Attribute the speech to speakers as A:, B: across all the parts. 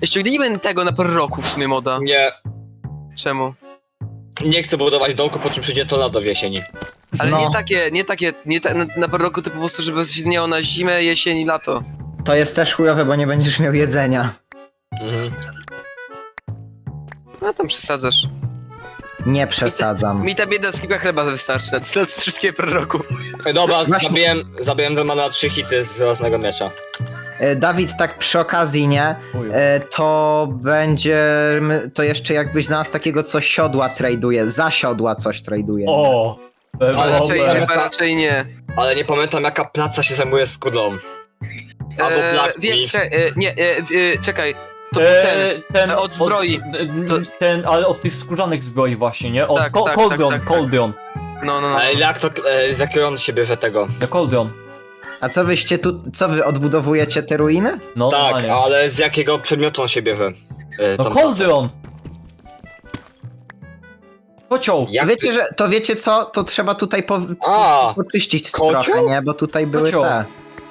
A: Ściągnijmy tego na proroku w sumie moda.
B: Nie,
A: Czemu?
B: nie chcę budować domku, po czym przyjdzie tornado w jesieni.
A: Ale
C: No.
A: nie na proroku to po prostu, żeby się miało na zimę, jesień i lato.
C: To jest też chujowe, bo nie będziesz miał jedzenia.
B: Mhm.
A: No tam przesadzasz.
C: Nie przesadzam.
A: Mi ta bieda z kilka chleba wystarczy na wszystkie proroku.
B: Dobra,
C: Właśnie-
B: zabiłem Demona 3 hity z własnego miecza.
C: Dawid, tak przy okazji, nie?
D: Chuj.
C: To będzie... To jeszcze jakbyś znalazł takiego, co siodła traduje. Za siodła coś traduje.
D: O! To
A: Ale raczej,
D: dobre.
A: chyba raczej nie.
B: Ale nie pamiętam jaka praca się zajmuje skórą. Albo Black
A: Czekaj. To był ten. Od zbroi.
D: Ten, ale od tych skórzanych zbroi właśnie, nie? Od
A: Tak, tak,
D: Cauldron,
A: tak.
D: Cauldron.
A: No.
B: Ale jak to, z jakiego on się bierze tego?
D: The Cauldron.
C: A co wyście tu... Co wy odbudowujecie te ruiny?
D: No,
B: Tak,
D: normalnie.
B: ale z jakiego przedmiotu on się bierze?
D: No
B: tą
D: Cauldron! Kocioł!
B: Jak
C: Wiecie, że... To wiecie co? To trzeba tutaj
B: A,
C: poczyścić
B: kocioł?
C: trochę, nie? Bo tutaj były
D: Kocioł.
C: te...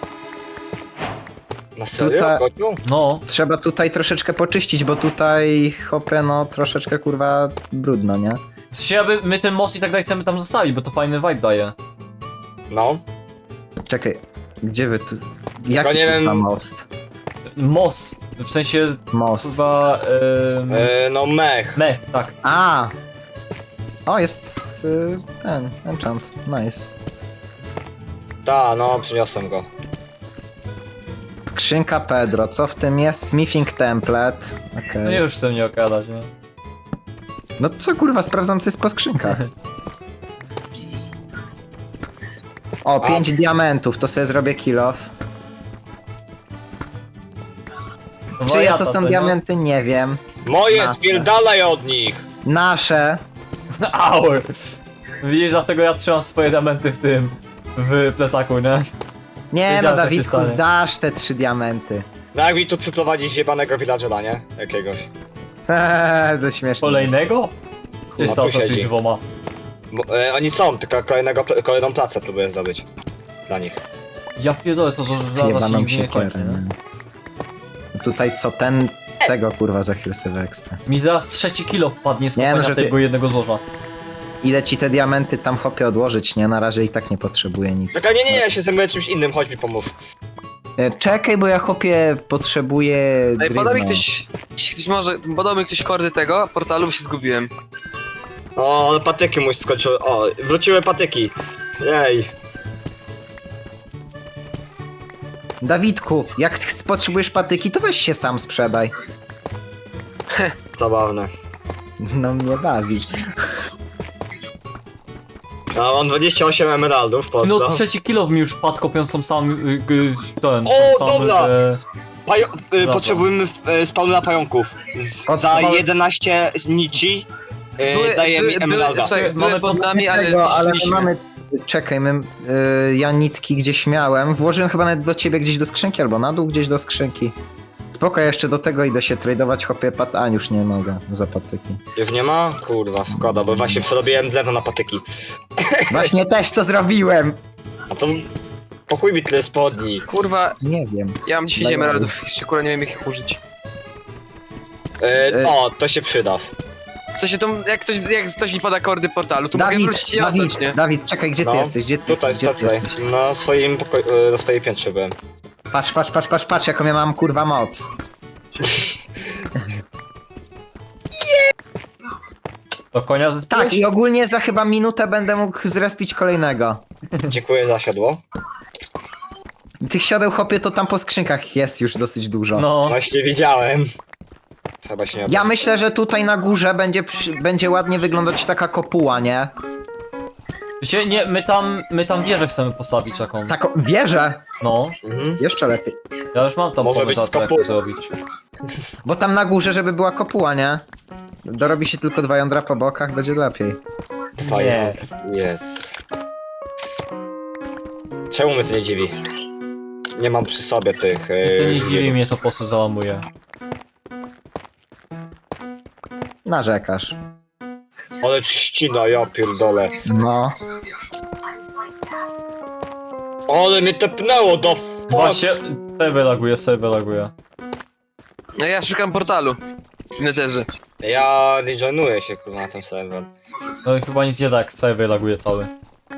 B: na serio?
C: Tutaj-
B: Kocioł?
D: No.
C: Trzeba tutaj troszeczkę poczyścić, bo tutaj, hopie, no troszeczkę kurwa brudno, nie?
D: W sensie, aby my ten most i tak dalej chcemy tam zostawić, bo to fajny vibe daje.
B: No.
C: Czekaj, gdzie wy tu... Jaki
B: nie
C: tu
B: wiem.
C: ma most?
D: Most. W sensie,
C: Most.
D: chyba...
B: No mech.
D: Mech, tak.
C: A! O, jest ten, enchant, nice.
B: Ta, no, przyniosłem go.
C: Skrzynka Pedro, co w tym jest? Smithing template, okej.
D: No nie już chcę mnie okradać, nie?
C: No co kurwa, sprawdzam co jest po skrzynkach. O, 5 diamentów, to sobie zrobię kill off.
D: No
C: Czyje
D: wariata,
C: to są
D: co, nie?
C: diamenty? Nie wiem.
B: Moje,
C: Nasze.
B: spierdalaj od nich!
C: Nasze.
D: Au! Widzisz, dlatego ja trzymam swoje diamenty w tym... w plecaku, nie?
C: Nie
D: Wiedziałem,
C: no,
D: co się
C: Dawidku,
D: stanie.
C: zdasz te 3 diamenty.
B: No jak mi tu przyprowadzić zjebanego villagera, nie? Jakiegoś.
C: To śmieszne.
D: Kolejnego? Czy
B: tu
D: stał za
B: siedzi.
D: tymi dwoma?
B: Bo, oni są, tylko kolejną pracę próbuję zdobyć. Dla nich.
D: Ja pierdolę, to że żelaza się
C: Jebaną
D: nigdy nie
C: się
D: kończy, nie?
C: Tutaj co, tego kurwa za chwilę sobie ekspę.
D: Mi teraz trzeci kilo wpadnie z
C: Nie, no,
D: kopania
C: że ty-
D: tego jednego złoża.
C: Ile ci te diamenty tam hopie odłożyć, nie? Na razie i tak nie potrzebuję nic.
B: Czekaj, nie, ja się zajmuję czymś innym, chodź mi pomóż.
C: Czekaj, bo ja hopie potrzebuję
A: Ej,
C: drewna.
A: podał mi ktoś może, podał mi ktoś kordy tego portalu, bo się zgubiłem.
B: O, ale patyki mój skończyły. O, wróciły patyki. Jej.
C: Dawidku, jak potrzebujesz patyki, to weź się sam sprzedaj.
B: Zabawne.
C: No mnie bawi.
B: No, mam 28 emeraldów, pozdro.
D: No trzeci kilo mi już padł kopiąc tą samą... ten...
B: O,
D: tą samą,
B: dobra!
D: Dobra.
B: Potrzebujemy spawnera pająków.
C: O,
B: Za
C: co?
B: 11 nici daje mi emeralda.
A: Słuchaj, były
D: Mamy
A: pod nami, ale
C: Tego, ale my
A: zniszczyliśmy.
C: mamy... Czekaj, ja nitki gdzieś miałem. Włożyłem chyba nawet do ciebie gdzieś do skrzynki, albo na dół gdzieś do skrzynki. Spoko, ja jeszcze do tego idę się tradować, hopie A, już nie mogę za patyki.
B: Już nie ma? Kurwa, szkoda, bo właśnie przerobiłem drewno na patyki.
C: Właśnie też to zrobiłem!
B: A to... Po chuj mi tyle spodni.
A: Kurwa,
C: Nie wiem.
A: ja mam 10
C: Daj
A: emeraldów, jeszcze kurwa nie wiem jak ich użyć.
B: O, to się przyda.
A: W sensie to, jak ktoś mi poda kordy portalu, to mogę wrócić i oddać, nie?
C: Dawid, czekaj, gdzie ty
B: No,
C: jesteś? Gdzie ty
B: Tutaj,
C: jesteś? Gdzie ty
B: tutaj.
C: jesteś?
B: Na swoim pokoju, na swojej piętrze byłem.
C: Patrz, jaką ja mam kurwa moc.
D: Do konia
C: Tak, i ogólnie za chyba minutę będę mógł zrespić kolejnego.
B: Dziękuję za siodło.
C: Tych siodeł, hopie, to tam po skrzynkach jest już dosyć dużo.
D: No,
B: Właśnie widziałem. Chyba się nie
C: Ja myślę, że tutaj na górze będzie ładnie wyglądać taka kopuła, nie?
D: wiecie, nie, my tam wieżę chcemy postawić taką.
C: Taką wieżę!
D: No,
B: Mhm.
C: Jeszcze lepiej.
D: ja już mam tam
B: Może
D: pomysł
B: być
D: na to, jak
B: skopu-
D: to zrobić.
C: Bo tam na górze, żeby była kopuła, nie? Dorobi się tylko 2 jądra po bokach, będzie lepiej.
D: Nie.
B: Jest. Czemu mnie to nie dziwi? Nie mam przy sobie tych...
D: To nie dziwi mnie, to po prostu załamuje.
C: Narzekasz.
B: Ale trzcina, ja pierdolę.
C: No.
B: Ale mnie tepnęło do...
D: Właśnie, sobie laguje.
A: No ja szukam portalu. W Netherze.
B: Ja regenuję się kurwa na tym serwer.
D: No i chyba nic nie tak, cały wylaguje cały.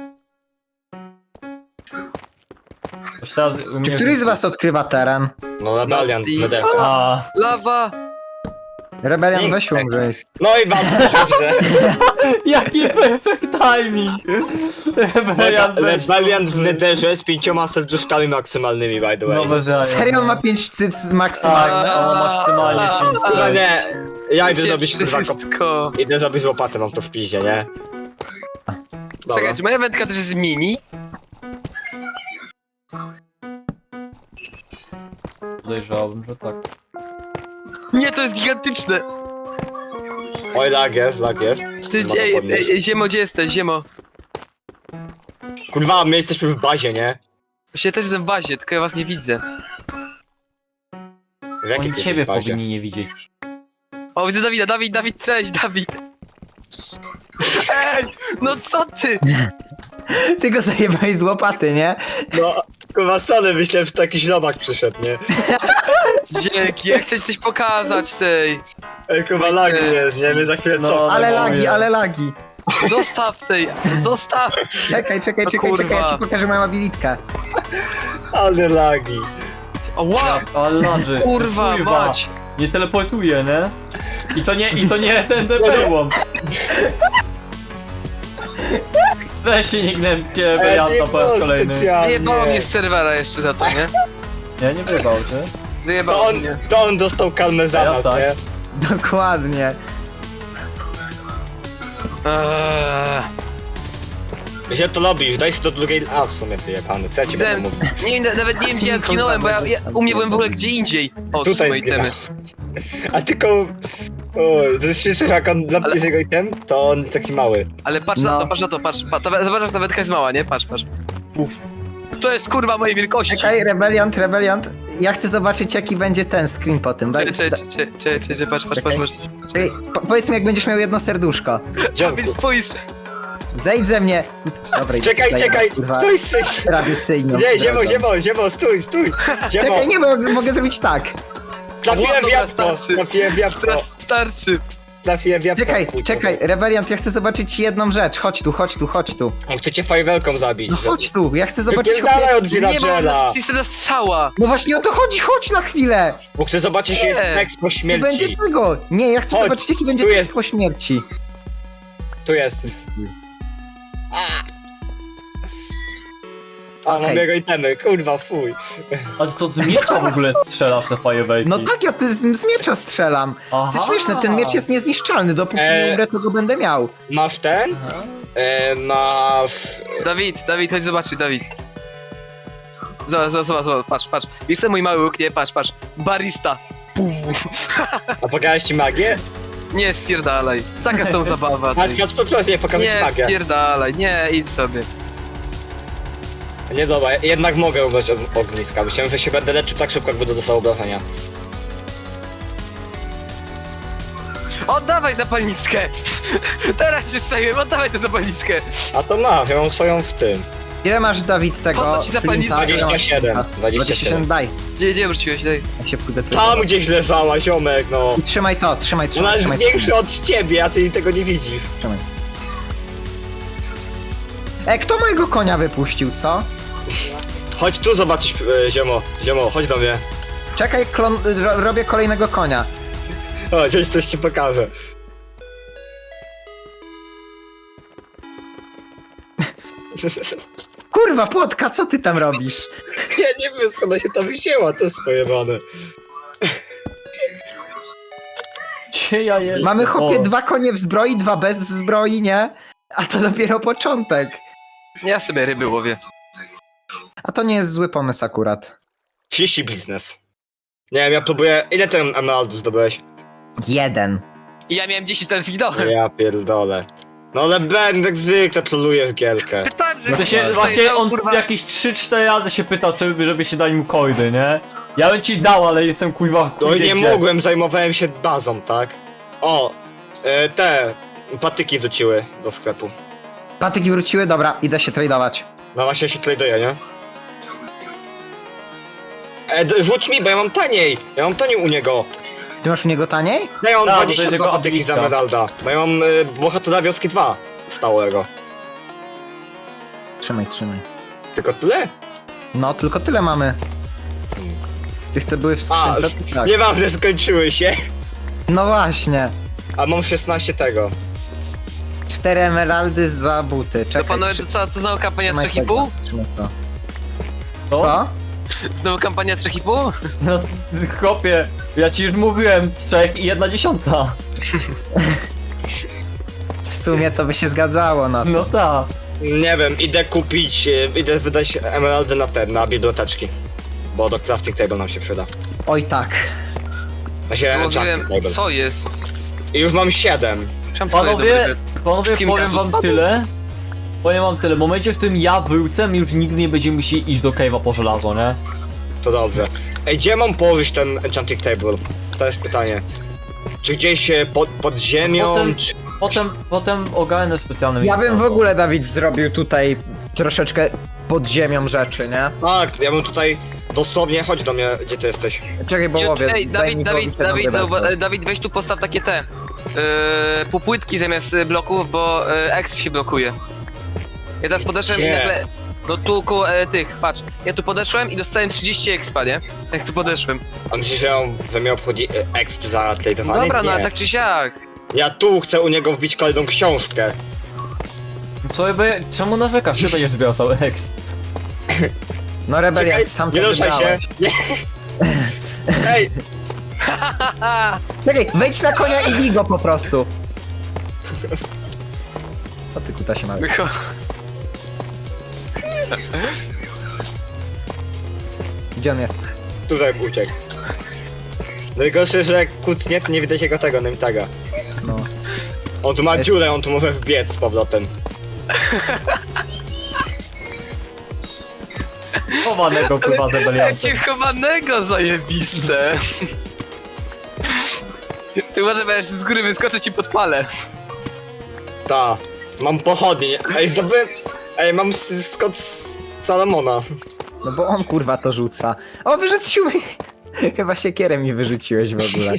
D: Już teraz u
C: Czy
D: mnie...
C: któryś z was odkrywa teren?
B: No Rebellion,
A: No i-
B: BD.
D: A,
A: Lawa!
C: Rebelian, weź umrzyj.
B: No i bardzo dobrze.
D: jaki perfect timing!
B: Rebellion w Netherze z 5 serduszkami maksymalnymi, by the way.
D: No bez jaja.
C: Serio ma 5 cyc
D: Tak,
C: maksymalnie?
D: no, maksymalnie 5
B: Chyba nie. Ja idę
A: Gdzie
B: zrobić kurwa
A: wszystko.
B: Idę zrobić łopatę, mam to w piździe, nie? Dobra.
A: Czekaj, czy moja wędka też jest mini?
D: Podejrzewałbym, że tak.
A: Nie, to jest gigantyczne!
B: Oj, lag jest, lag jest.
A: Ty,
B: Ma to podnieść.
A: Ziemo, gdzie jesteś, Ziemo?
B: Kurwa, my jesteśmy w bazie, nie?
A: Właśnie też jestem w bazie, tylko ja was nie widzę.
B: W jakiej
D: Oni
B: ty
D: ciebie
B: jesteś bazie?
D: powinni nie widzieć.
A: O, widzę Dawida, Dawid, cześć, Dawid! Ej, no co ty?
C: Ty go zajebałeś z łopaty, nie?
B: No, kurwa, sorry, myślałem, że to jakiś robak przyszedł, nie?
A: Dzięki, ja chcę ci coś pokazać tej.
B: Ej, kurwa, lag jest, nie? My za chwilę
D: No.
B: co?
C: Ale
D: no,
C: lagi,
D: mówię.
C: ale lagi.
A: Zostaw tej, zostaw!
C: Czekaj, czekaj,
A: No
C: czekaj, czekaj, ja
A: kurwa.
C: ci pokażę moją abilitkę.
B: Ale lagi.
A: O, wow!
D: Ale ladzy.
A: Kurwa, mać!
D: Nie teleportuje, nie? I to nie ten perłom. Weź się nie gnębcie warianta po raz kolejny.
A: Wyjebało mnie z serwera jeszcze za to, nie?
D: Nie, nie wyjebał cię.
A: Wyjebało mnie.
B: To on dostał kalmę za
D: Ja
B: nas,
D: tak.
B: nie?
C: Dokładnie.
B: Gdzie to robisz? Daj się do drugiej... A, w sumie wyjebany, co ja ci będę mówił?
A: Nie wiem, nawet nie wiem gdzie ja zginąłem, bo ja u mnie byłem w ogóle gdzie indziej. O, tu są
B: Tutaj
A: moje itemy.
B: A tylko... O, to jest śmieszne, jak on
A: Ale-
B: jest jego item, to on jest taki mały.
A: Ale patrz
C: No.
A: na to, patrz na to, patrz. Zobacz, jak ta wędka jest mała, nie? Patrz, patrz. Uf. To jest kurwa mojej wielkości.
C: Czekaj, Rebeliant. Ja chcę zobaczyć, jaki będzie ten screen po tym. Daj-
A: Czekaj, patrz.
C: Czekaj, powiedz mi, jak będziesz miał jedno serduszko.
B: Dziadku.
A: Więc spójrz.
C: Zejdź ze mnie. Dobra, idę
B: Czekaj,
C: tutaj,
B: czekaj!
C: kurwa,
B: Stój!
C: Tradycyjną.
B: Nie,
C: drogą.
B: ziemo, stój! Ziemo!
C: Czekaj, nie, bo mogę zrobić tak.
B: Trafiłem w
A: Dobra,
B: jabłko!
A: starczy.
B: Trafiłem w jabłko!
A: Teraz starczy.
B: Trafiłem w jabłko!
C: Czekaj, Rebeliant, ja chcę zobaczyć jedną rzecz. Chodź tu.
B: On chce cię fajwelką zabić.
C: No chodź tu, ja chcę zobaczyć...
B: Wypierdalaj od
A: Nie mam
B: villagera!
A: na strzała.
C: No właśnie o to chodzi, chodź na chwilę!
B: Bo chcę zobaczyć, jaki jest
A: Nie.
B: tekst po
C: Nie będzie
B: śmierci.
C: tego! Nie, ja chcę
B: Chodź,
C: zobaczyć, jaki będzie
B: tu
C: tekst
B: jest.
C: po śmierci.
B: Tu jest. A, mam
C: Okej.
B: jego itemy, kurwa, fuj.
D: A to z miecza w ogóle strzelasz te fajerwerki.
C: No tak, ja z miecza strzelam. To
D: Aha.
C: jest śmieszne, ten miecz jest niezniszczalny, dopóki nie umrę, to go będę miał.
B: Masz ten?
D: Aha.
B: Masz...
A: Dawid, chodź zobaczyć, Dawid. Zobacz, patrz. Wiesz ten mój mały łuk? Nie, patrz. Barista. Puf.
B: A pokazałeś ci magię?
A: Nie, spierdalaj. Taka jest tą zabawa.
B: Patrz,
A: Ty.
B: proszę, nie pokazać ci
A: Nie,
B: magię.
A: spierdalaj. Nie, idź sobie.
B: Nie dobra, jednak mogę ubrać ogniska. Myślałem, że się będę leczył tak szybko, jak będę dostał obrażenia.
A: Oddawaj zapalniczkę! Teraz się strzeliłem, oddawaj tę zapalniczkę!
B: A to masz, ja mam swoją w tym.
C: Ile masz, Dawid, tego?
A: Po co ci zapalniczka?
C: flinta? Ile masz
B: 27.
C: flinta?
B: 27.
C: daj.
A: Gdzie wróciłeś? Daj.
C: Ja się pójdę
B: Tam gdzieś leżała, ziomek, no.
C: I trzymaj to, trzymaj.
B: Ona jest większa od ciebie, a ty tego nie widzisz.
C: Trzymaj. Kto mojego konia wypuścił, co?
B: Chodź tu zobaczyć, ziomo, chodź do mnie.
C: Czekaj, robię kolejnego konia.
B: O, coś ci pokażę.
C: Kurwa, Płotka, co ty tam robisz?
B: Ja nie wiem, skąd ona się tam wzięła, to jest pojebane.
D: Gdzie ja jestem?
C: Mamy chłopie
D: O.
C: 2 konie w zbroi, 2 bez zbroi, nie? A to dopiero początek.
A: Ja sobie ryby łowię.
C: A to nie jest zły pomysł akurat.
B: 30 biznes. Nie wiem, ja próbuję... Ile ten emeraldów zdobyłeś?
C: 1.
A: I ja miałem 10, ale zginąłem.
B: Ja pierdolę. No ale Ben jak zwykle troluje w gierkę.
A: Pytałem, że...
D: To się,
A: Słuchaj,
D: właśnie
A: to,
D: on
A: kurwa,
D: jakieś 3-4 razy się pytał, żeby się dać mu coiny, nie? Ja bym ci dał, ale jestem kuźwa w
B: No
D: chuj
B: i nie
D: gdzie.
B: mogłem, zajmowałem się bazą, tak? O, te patyki wróciły do sklepu.
C: Patyki wróciły, dobra, idę się tradować.
B: No właśnie się traduje, nie? Rzuć mi, bo ja mam taniej u niego.
C: Ty masz u niego taniej?
B: Dają
D: Tak, bo to
B: 22
D: jest jego
B: patyki z
D: aplitka.
B: Emeralda. Mają Bohatora Wioski 2 stałego.
C: Trzymaj.
B: Tylko tyle?
C: No, tylko tyle mamy. Z tych, co były w
B: A,
C: skrzynce, to tak.
B: nieważne, skończyły się.
C: No właśnie.
B: A mam 16 tego.
C: 4 emeraldy za buty.
A: To
C: Czekaj,
A: panowie, to co znowu kampania
C: trzymaj
A: 3,5?
C: tego, trzymaj to.
D: Co?
C: Co?
A: Znowu kampania 3,5?
D: No, chłopie, ja ci już mówiłem, 3 i 1/10.
C: W sumie to by się zgadzało na to.
D: No tak.
B: Nie wiem, idę kupić, idę wydać emeraldy na biblioteczki. Bo do crafting table nam się przyda.
C: Oj tak.
A: Mówiłem,
B: table.
A: co jest?
B: I już mam 7.
A: Czemu twoje
D: Panowie,
A: dobre- Wszystkim
D: powiem
A: gadu
D: wam
A: spadło?
D: tyle. Powiem wam tyle, w momencie, w którym ja wrócę, my już nigdy nie będziemy musieli iść do cave'a po żelazo, nie?
B: To dobrze. Ej, gdzie mam położyć ten enchanting table? To jest pytanie. Czy gdzieś pod ziemią,
D: Potem-
B: czy...
D: Potem ogarnę specjalne
C: Ja
D: miejsce
C: bym
D: na
C: w
D: to.
C: ogóle, Dawid, zrobił tutaj troszeczkę pod ziemią rzeczy, nie?
B: Tak, ja bym tutaj dosłownie, chodź do mnie, gdzie ty jesteś.
C: Czekaj, bo łowię.
A: Ej,
C: daj mi
A: Dawid,
C: połowić jedną rybę.
A: Dawid, weź tu postaw takie te półpłytki zamiast bloków, bo exp się blokuje. Ja teraz podeszłem i
B: Gdzie?
A: nagle... No tu koło tych, patrz. Ja tu podeszłem i dostałem 30 expa, nie? Jak tu podeszłem.
B: A myślisz, że mnie obchodzi exp za
A: No
B: tradeowanie?
A: dobra, no
B: Nie.
A: ale tak czy siak.
B: Ja tu chcę u niego wbić kolejną książkę.
D: Co jakby, czemu narzekasz? Ty będziesz zbierał cały exp.
C: No Rebelia,
B: Czekaj,
C: sam
B: nie
C: to
B: ruszaj się.
C: wybrałeś.
B: Nie. Ej,
C: Czekaj, wejdź na konia i bij go po prostu. O ty kuta się ma. Gdzie on jest?
B: tutaj uciekł. Najgorsze, że jak kucnie, to nie widać jego tego nametaga.
C: No.
B: On tu ma
C: Jest-
B: dziurę, on tu może wbiec z powrotem.
D: Chowanego kurwa zebelianta.
A: Jakie chowanego zajebiste. Ty może będziesz z góry wyskoczyć i podpalę.
B: Ta. Mam pochodnie. Ej, zdobyłem... Ej, mam skot z Salomona.
C: No bo on kurwa to rzuca. O, wyrzucił mi. Chyba siekierę mi wyrzuciłeś w ogóle.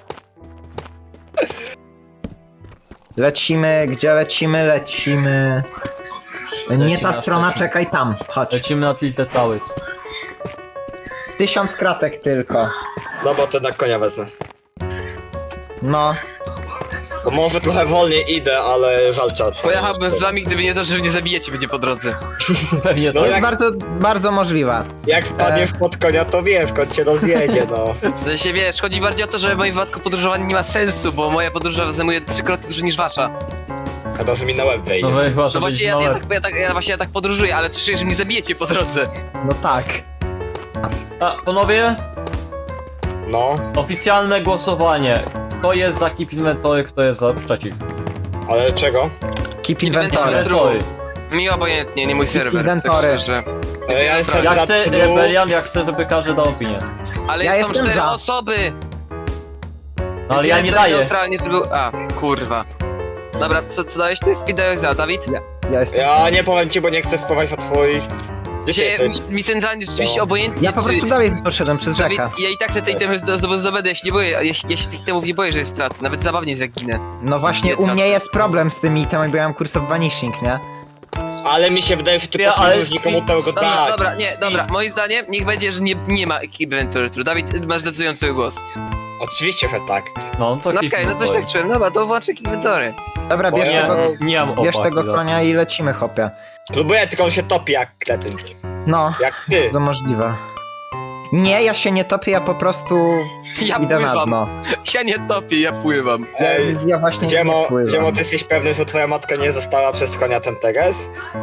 C: Lecimy, gdzie lecimy? Lecimy. Nie ta strona, czekaj tam. Chodź.
D: Lecimy na Tilted Towers.
C: 1000 kratek tylko.
B: No bo to na konia wezmę.
C: No.
B: Bo może trochę wolniej idę, ale żal czas.
A: Pojechałbym z wami, gdyby nie to, że mnie zabijecie będzie po drodze.
D: Pewnie
B: No
C: To
D: tak.
C: jest
B: jak-
C: bardzo, bardzo możliwe.
B: Jak wpadniesz pod konia, to wiesz, kot cię rozjedzie, no.
A: W sensie wiesz, chodzi bardziej o to, że w moim wypadku podróżowanie nie ma sensu, bo moja podróż zajmuje 3-krotnie dłużej niż wasza.
B: Chyba, że mi na łeb wejdzie.
D: No weź chyba,
A: No
D: że
A: właśnie
D: będzie
A: ja tak podróżuję, ale czuję, że mnie zabijecie po drodze.
C: No tak.
D: A, panowie,
B: No,
D: oficjalne głosowanie. Kto jest za Keep Inventory, kto jest za przeciw?
B: ale czego?
C: Keep
A: Inventory.
C: inventory.
A: Mi obojętnie, nie mój serwer.
C: Inwentory.
A: Tak szczerze.
B: Ja jestem
D: Ja
B: za
D: chcę
B: true.
D: Rebelian, ja chcę, żeby każdy dał opinię.
A: Ale
C: Ja
A: są
C: jestem
A: 4
C: za.
A: osoby!
D: No, ale
A: Więc
D: ja nie
A: jestem
D: daję.
A: neutralnie, żeby... A, kurwa. Dobra, co dałeś ty? Speedałeś za, Dawid?
C: Ja jestem.
B: Ja nie powiem ci, bo nie chcę wpływać na twój... Gdzie ty
A: Się,
B: jesteś?
A: mi centralnie rzeczywiście
B: No.
A: obojętnie,
C: Ja po prostu dalej poszedłem przez
A: Dawid,
C: rzekę.
A: ja i tak chcę tej temy zdobędę, ja się nie boję, ja się tych temów nie boję, że je stracę, nawet zabawnie jest jak ginę.
C: No właśnie, u mnie jest problem z tymi itemami, bo ja mam kurs of vanishing, nie?
B: Ale mi się wydaje, że ty
D: Ja, ale
B: posłużysz nikomu tego
A: Dobra,
B: tak.
A: dobra, nie, dobra, moim zdaniem niech będzie, że nie ma Keep Inventory True. Dawid, masz decydujący głos.
B: Oczywiście, że tak.
D: No to
A: No
D: Keep
A: okej, no coś
D: Inventory.
A: tak czułem, dobra, to włączę Keep Inventory.
C: Dobra,
B: Bo
C: bierz
B: ja-
C: tego,
D: Nie mam
C: bierz
D: opa,
C: tego
D: chwila.
C: konia i lecimy, chłopie.
B: Próbuję, tylko on się topi jak kretyn.
C: No,
B: Jak ty.
C: to możliwe. Nie, ja się nie topię, ja po prostu
A: Ja
C: idę na
A: pływam,
C: dno.
A: ja nie topię, ja pływam.
B: Ej,
C: Ja właśnie
B: Dziemo,
C: nie pływam.
B: Dziemo, ty jesteś pewny, że twoja matka nie została przez konia ten teges?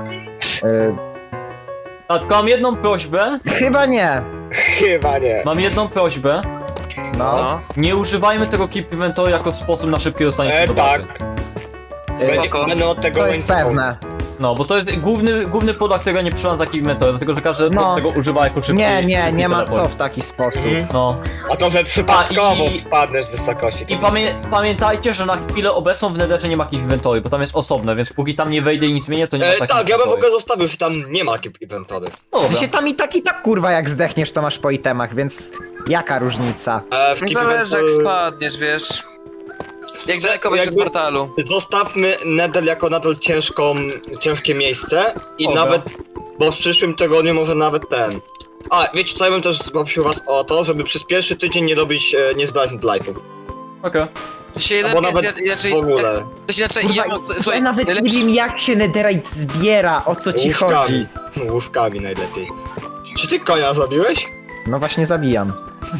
D: A tylko mam jedną prośbę.
C: Chyba nie.
B: Chyba nie.
D: Mam jedną prośbę.
C: No.
A: No,
D: Nie używajmy tego Keep Inventory jako sposób na szybkie dostanie się do bazy.
B: Tak. Będzie,
A: Spoko.
B: będę od tego
C: To jest
B: łańcuchu.
C: pewne.
D: No, bo to jest główny podłag, którego nie przyjąłem z jakiej metody, dlatego że każdy
C: No.
D: tego używa jako szybki.
C: Nie ma
D: teleport.
C: co w taki sposób.
D: No.
B: A to, że przypadkowo
D: i-
B: spadnę z wysokości. To...
D: I pamiętajcie, że na chwilę obecną w Netherze nie ma jakich inwentory, bo tam jest osobne, więc póki tam nie wejdę i nic zmienię, to nie ma takich
B: tak, ja bym w
D: inventory.
B: ogóle zostawił, że tam nie ma inwentory.
D: No dobra.
C: Się tam i tak kurwa jak zdechniesz to masz po itemach, więc jaka różnica?
B: W
A: Nie
B: keep
A: zależy jak
B: inventory-
A: spadniesz, wiesz. Jak daleko będziesz od
B: jakby-
A: portalu.
B: Zostawmy Nether jako nadal ciężkie miejsce i
D: Dobra.
B: nawet, bo w przyszłym tygodniu może nawet ten. A, wiecie co, ja bym też poprosił was o to, żeby przez pierwszy tydzień nie robić, nie zbierać Netherite'ów.
D: Okej.
A: To się
B: Albo
A: lepiej,
B: nawet
A: inaczej,
B: w ogóle.
A: to się inaczej,
C: Kurwa,
A: słuchaj,
C: ja nawet nie
A: najlepszy-
C: wiem jak się netherite zbiera, o co ci
B: Łóżkami.
C: chodzi.
B: Łóżkami najlepiej. Czy ty konia zabiłeś?
C: No właśnie zabijam.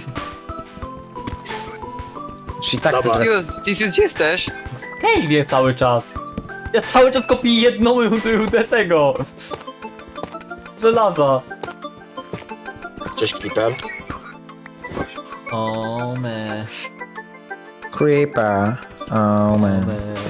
C: Czyli tak
B: Dobra.
C: se zres-
A: Tisius, gdzie jesteś?
D: Hej, wie cały czas. Ja cały czas kopię jedną rudę tego. Żelaza.
B: Cześć Creeper.
D: O me.
C: Creeper. Oh man.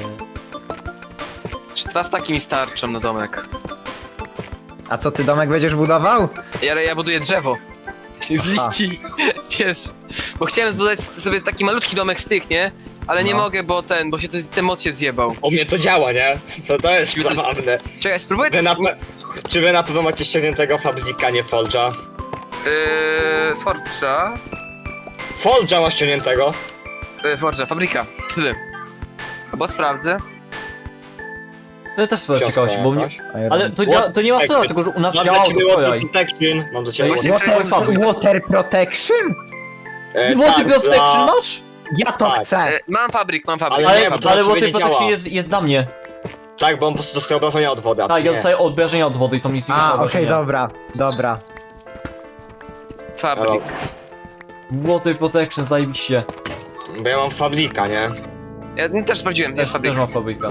A: Czy 2 staki mi starczą na domek?
C: A co ty domek będziesz budował?
A: Ja buduję drzewo. Z liści, wiesz. Bo chciałem zbudować sobie taki malutki domek z tych, nie? Ale nie
C: No.
A: mogę, bo się ten mod się zjebał.
B: U mnie to działa, nie? To jest zabawne.
A: Czekaj, spróbuję...
B: Czy wy na pewno macie ściągniętego Fabrika, nie Forge'a?
A: Forge'a...
B: Forge'a ma ściągniętego.
A: Forge'a, fabryka. Tyle. Bo sprawdzę.
D: To też swoja
B: Książka
D: ciekawość, bo mnie...
B: jakaś.
D: Ale to nie ma sensu, dlatego że u nas
B: Mam dla
D: działało
B: ciebie
D: to
B: Water
D: wczoraj.
B: Protection. Mam do ciebie
A: No
B: Water
A: właśnie-
C: Water Protection?
D: Water Protection masz?
C: Ja to
B: Tak.
C: chcę.
A: Mam fabryk.
B: Ale
D: Ale,
B: nie, bo to
D: ale
B: na ciebie
D: Water
B: nie
D: Protection
B: działa.
D: jest dla mnie.
B: Tak, bo on po prostu dostaje obrażenia od wody, a
D: Tak,
B: ty
D: ja
B: nie.
D: dostaję obrażenia od wody i to nic nie
C: A,
D: ma
C: okej, dobra.
A: Fabryk.
D: Water Protection, zajebiście.
B: Bo ja mam Fabrika, nie?
A: Ja też sprawdziłem, jest fabryk.
D: Też mam fabryka.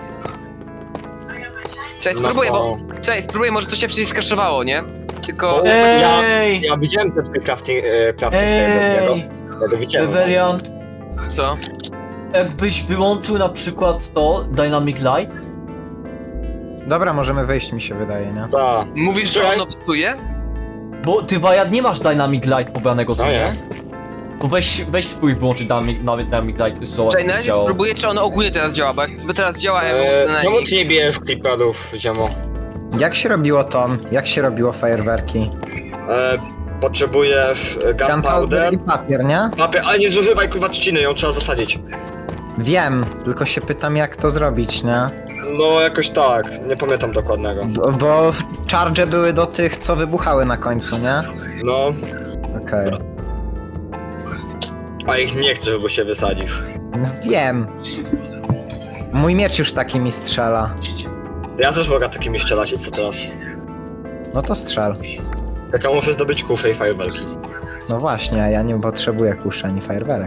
A: Czekaj,
B: No
A: spróbuję,
B: bo-
A: bo... Czekaj, spróbuję, może to się wcześniej skraszowało, nie? Tylko...
B: Bo-
D: Ej!
B: Ja widziałem ten twój crafting table,
D: Ej!
B: ja go widziałem.
D: Revelian,
A: Co?
D: jakbyś wyłączył na przykład to, Dynamic Light?
C: Dobra, możemy wyjść mi się wydaje, nie?
B: Tak.
A: Mówisz, że
B: Czekaj.
A: ono psuje?
D: Bo ty, Wajad, nie masz Dynamic Light pobranego, co
B: No
D: nie?
B: nie.
D: Bo weź spróbuj wyłączyć Dynamic Light, zobacz,
A: Czekaj, na
D: jak
A: razie
D: działa.
A: spróbuję, czy ono ogólnie teraz działa, bo jakby teraz działa, ja bym
B: Czemu
A: na
B: ty nie bijesz creeperów, ziemo?
C: Jak się robiło ton? Jak się robiło fajerwerki?
B: Potrzebujesz gunpowder,
C: i papier, nie?
B: papier, ale nie zużywaj kurwa trzciny, ją trzeba zasadzić.
C: Wiem, tylko się pytam jak to zrobić, nie?
B: No jakoś tak, nie pamiętam dokładnego.
C: Bo charge były do tych, co wybuchały na końcu, nie?
B: No,
C: Okej.
B: a ich nie chcesz, bo się wysadzisz.
C: No wiem. Mój miecz już takimi strzela.
B: Ja też mogę takimi strzelać i co teraz?
C: No to strzel.
B: Taka muszę zdobyć kuszę i fajerwerki.
C: No właśnie, a ja nie potrzebuję kuszy ani fajerwerek.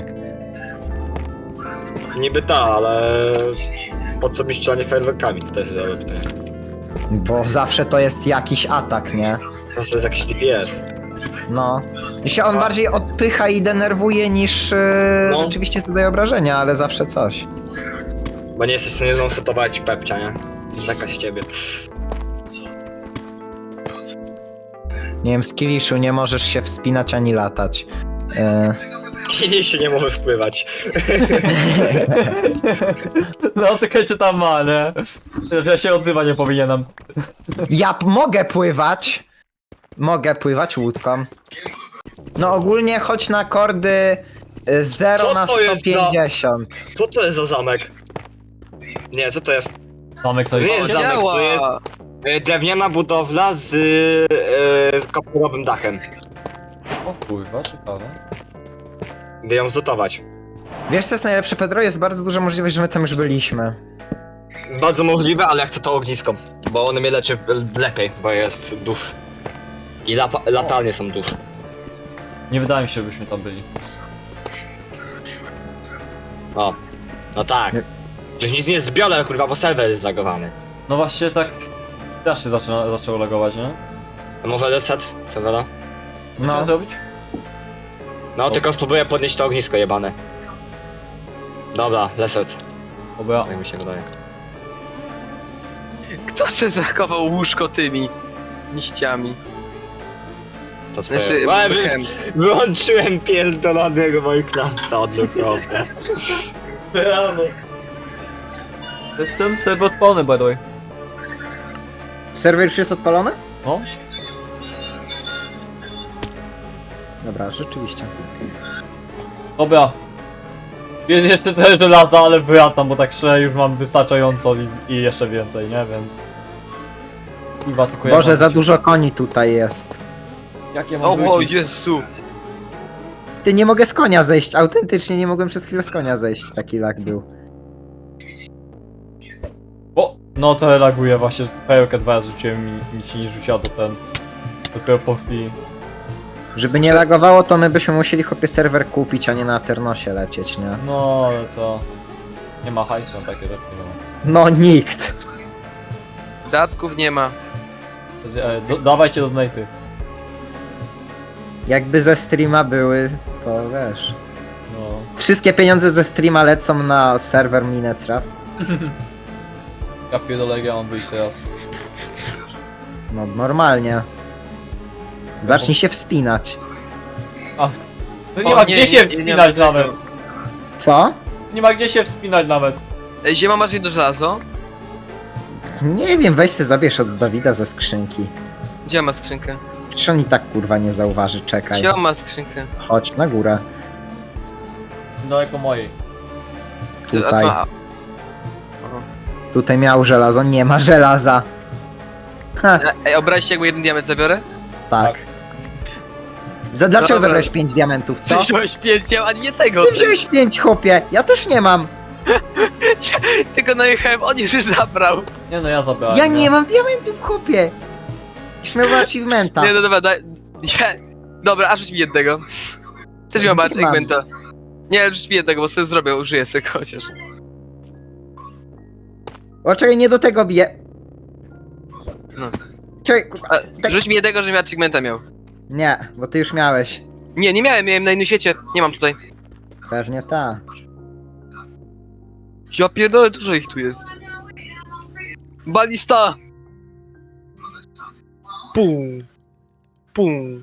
B: Niby ta, ale... Po co mi strzelanie fajerwerkami? To też jest dobre pytanie.
C: Bo zawsze to jest jakiś atak, nie?
B: To jest jakiś DPS.
C: No. I się on
B: A.
C: bardziej odpycha i denerwuje niż
B: No.
C: rzeczywiście zadaje obrażenia, ale zawsze coś.
B: Bo nie jesteś w stanie zonshutować Pepcia, nie? Taka z ciebie.
C: Nie wiem, Skilliszu, nie możesz się wspinać ani latać.
B: Kiedyś się nie możesz wpływać.
D: No, czekajcie tam ma, nie? Że ja się odzywać nie powinienem.
C: Mogę pływać. Mogę pływać łódką. No ogólnie chodź na kordy 0
B: Co
C: na
B: to jest za-
C: 150.
B: Co to jest za zamek? Nie, co to jest?
D: Zamek
B: To
D: sobie...
B: nie jest zamek,
A: Działa!
B: to jest drewniana budowla z kopurowym dachem.
D: O kurwa, ciekawe.
B: Gdy ją zlutować.
C: Wiesz co jest najlepsze, Pedro? Jest bardzo duża możliwość, że my tam już byliśmy.
B: Bardzo możliwe, ale ja chcę to ognisko. Bo one mnie leczy lepiej, bo jest dusz. I latarnie są dusz.
D: Nie wydaje mi się, żebyśmy tam byli.
B: O. No tak.
C: Nie.
B: Przecież nic nie zbiorę, kurwa, bo serwer jest zlagowany.
D: No właśnie tak... Też się zaczęło lagować, nie?
B: A może reset serwera?
D: Co
C: No.
D: zrobić?
B: No, tylko spróbuję podnieść to ognisko jebane. Dobra, reset.
D: Dobra.
B: Tak mi się wydaje.
A: Kto se zachował łóżko tymi liściami?
B: To
A: Znaczy,
B: twoje. Wyłączyłem pierdolonego Minecrafta od naprawdę.
D: Jestem sobie odpalony, by the way.
C: Serwer już jest odpalony?
D: No.
C: Dobra, rzeczywiście.
D: Dobra. Jest jeszcze trochę żelaza, ale wyjatam, bo tak szczerze już mam wystarczająco i jeszcze więcej, nie? Więc... Kurwa, tylko ja
C: Boże,
D: mam-
C: za dużo koni tutaj jest.
D: Jakie mam
A: O
D: wrócić?
A: Jezu!
C: Ty, nie mogę z konia zejść, autentycznie nie mogłem przez chwilę z konia zejść, taki lag był.
D: O! No to laguje właśnie, pełkę 2 razy rzuciłem i nic się nie rzuciła do ten... Dopiero po chwili.
C: Żeby nie lagowało, to my byśmy musieli chłopie serwer kupić, a nie na Aternosie lecieć, nie?
D: No, ale to... Nie ma hajsu na takie rzeczy, no.
C: No nikt.
A: Datków nie ma.
D: Dawajcie do donaty.
C: Jakby ze streama były, to wiesz.
D: No.
C: Wszystkie pieniądze ze streama lecą na serwer Minecraft.
D: Ja pierdolę, ja mam wyjść teraz.
C: No normalnie. Zacznij się wspinać.
D: No nie
A: O,
D: ma
A: nie,
D: gdzie się
A: nie, nie
D: wspinać
A: ma tego.
D: nawet.
C: Co?
D: Nie ma gdzie się wspinać nawet.
A: Ej, Ziema, masz jedno żelazo?
C: Nie wiem, weź se zabierz od Dawida ze skrzynki.
A: Gdzie ma skrzynkę?
C: Przecież on i tak kurwa nie zauważy, czekaj.
A: Gdzie on ma skrzynkę?
C: Chodź na górę.
D: Daleko mojej.
C: Tutaj.
A: A,
C: Tutaj miał żelazo, nie ma żelaza. Ha,
A: Ej, obraź się, jakby jeden diament zabiorę?
C: tak. Dlaczego
A: dobra.
C: zabrałeś 5 diamentów, co?
A: Ty wziąłeś 5, ani jednego.
C: Ty wziąłeś 5, chłopie! Ja też nie mam!
A: Tylko najechałem, on już zabrał.
D: Nie no, ja zabrałem.
C: Ja nie mam diamentów, chłopie! Już miał achievementa.
A: Nie, no dobra, daj... Dobra, a rzuć mi jednego. Też miał match
C: Nie mam.
A: achievementa. Nie, rzuć mi jednego, bo sobie zrobię, użyję sobie chociaż.
C: O, czekaj, nie do tego bije.
A: No.
C: Czekaj, kurwa.
A: A,
C: Tak.
A: rzuć mi jednego, żebym achievementa miał.
C: Nie, bo ty już miałeś.
A: Nie, nie miałem na innym świecie. Nie mam tutaj.
C: Pewnie ta.
A: Ja pierdolę, dużo ich tu jest. Balista! Pum. Pum.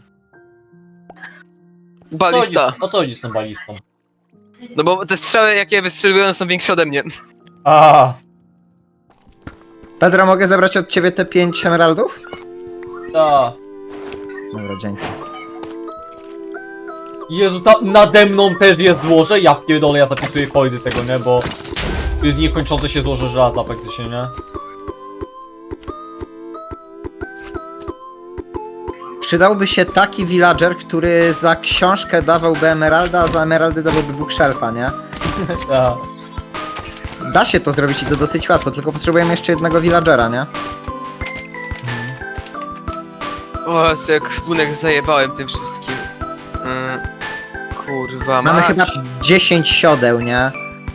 A: Balista.
D: O co chodzi z tą balistą?
A: No bo te strzały, jakie wystrzeliwują, są większe ode mnie.
D: A,
C: Pedro, mogę zabrać od ciebie te 5 emeraldów?
D: ta.
C: Dobra, dzięki.
D: Jezu, nade mną też jest złoże? Ja pierdolę, ja zapisuję kody tego, nie? Bo... To jest niekończące się złoże żelaza praktycznie, nie?
C: Przydałby się taki villager, który za książkę dawałby emeralda, a za emeraldy dawałby bookshelfa, nie?
D: Ta.
C: Da się to zrobić i to dosyć łatwo, tylko potrzebujemy jeszcze jednego villagera, nie?
A: O, jak bunek zajebałem tym wszystkim. Kurwa,
C: Mamy
A: mać.
C: chyba 10 siodeł, nie?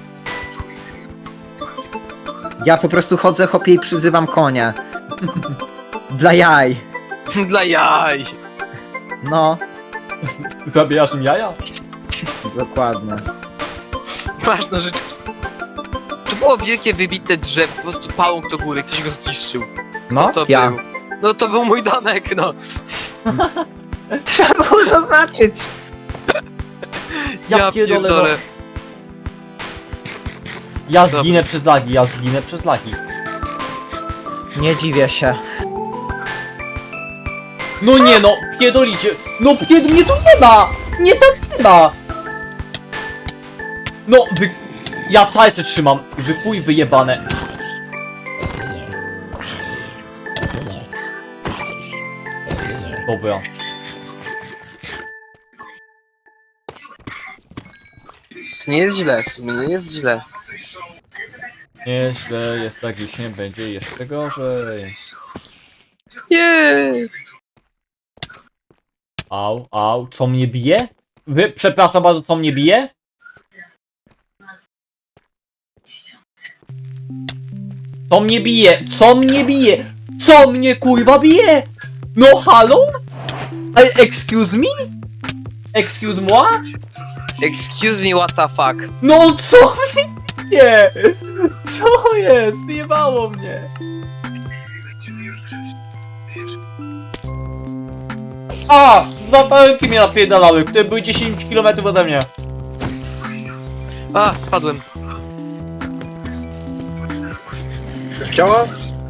C: Ja po prostu chodzę, chopię i przyzywam konia. Dla jaj.
A: Dla jaj.
C: No,
D: Zabijasz im jaja?
C: dokładnie.
A: Masz nożyczki. To było wielkie, wybite drzewo, po prostu pałąk do góry, ktoś go zniszczył.
C: No,
A: To
C: ja.
A: był. No to był mój domek, no.
C: Trzeba było zaznaczyć.
A: Ja
D: pierdolę,
A: pierdolę.
D: Ja
A: Dobra.
D: zginę przez lagi, ja zginę przez lagi.
C: Nie dziwię się.
D: No nie no, pierdolicie. No mnie tu nie ma! Nie tam nie ma! No, ja tajce trzymam. Wypój wyjebane. Dobra.
A: Nie jest źle, w sumie nie jest źle.
D: Nieźle, jest tragicznie, będzie jeszcze gorzej.
A: Jej.
D: Au, co mnie bije? Przepraszam bardzo, co mnie bije? Co mnie bije? Co mnie bije? Co mnie kurwa bije? No halo? Excuse me? Excuse moi?
A: Excuse me, what the fuck?
D: No co mnie bije? Co jest? Wyjebało mnie. A! Dwa pająki mnie napierdalały, które były 10 km ode mnie.
A: A, spadłem.
B: Już działa?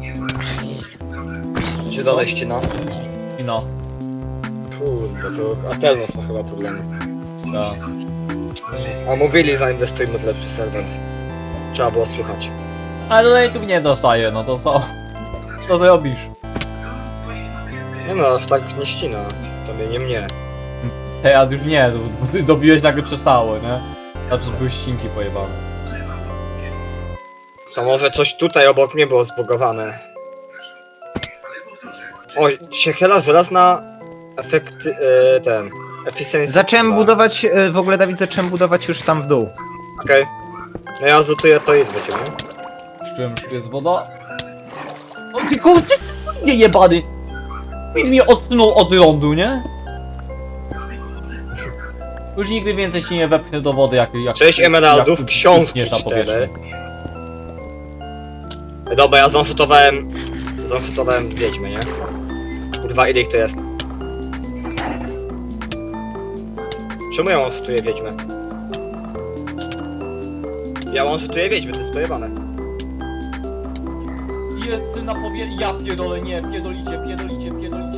B: Czy dalej ścina?
D: I no.
B: Kurde, to Atelnos ma chyba problemy.
D: Ja.
B: A mówili, zainwestujmy w lepszy serwer. Trzeba było słuchać.
D: Ale donate'ów nie dostaję, no to co? Co ty robisz?
B: Nie no, aż tak nie ścina. To nie mnie.
D: Teraz już nie, bo ty dobiłeś nagle przestało, nie? Znaczy, że były ścinki pojebane.
B: To może coś tutaj obok mnie było zbugowane. O, siekiela żelazna efekty... ten... Efficiency.
C: Zacząłem
B: 2.
C: budować, w ogóle Dawid, zacząłem budować już tam w dół.
B: Okej. No ja zlutuję to i do ciebie.
D: Z czym jest woda? O ty kurde, nie jebany! Film mnie odsunął od lądu, nie? Już nigdy więcej się nie wepchnę do wody, jak
B: 6 emeraldów,
D: jak
B: książki
D: utkniesz na
B: 4.
D: powierzchni.
B: Dobra, ja zonshotowałem wiedźmę, nie? Kurwa, ile ich to jest? Czemu ja one-shotuję wiedźmę? Ja one-shotuję wiedźmę, to jest pojebane.
D: Jest na powierzchni. Ja pierdolę, nie, pierdolicie.